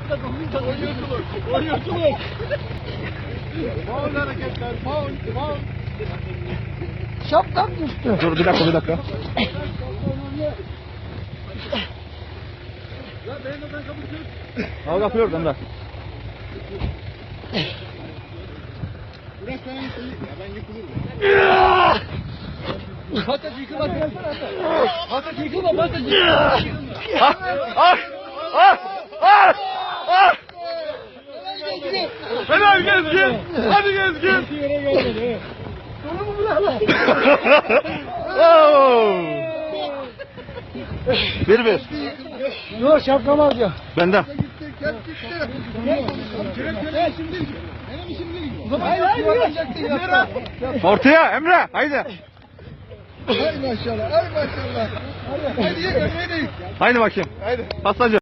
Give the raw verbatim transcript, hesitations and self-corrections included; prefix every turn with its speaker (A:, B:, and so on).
A: Oyunculuk. Oyunculuk. Faul hareketler. Faul. Faul.
B: Şapkam düştü.
C: Dur bir dakika bir dakika. Al kapıyor Emre.
A: Bırak sana yıkılır. Ya ben yıkılırım.
B: Patates yıkılma. Patates yıkılma. Patates yıkılma.
C: Ah! Ah! Ah! Ah! Ah! Helal Gezgin! Hadi Gezgin!
A: Yere gelmedi.
B: Sonu mu bırak lan?
C: Oo! Bir bir.
B: Yok şapkam alacağım.
C: Benden.
A: Gitti. Gel gitti. Gel. Gel şimdi. Benim işim değil.
B: Hayır hayır yuvarlanacaktın ya.
C: Ortaya Emre haydi.
A: Ay maşallah. Ay maşallah. Hadi ye. Ömre'yi de yık.
C: Haydi bakayım.
A: Haydi.
C: Pastacı.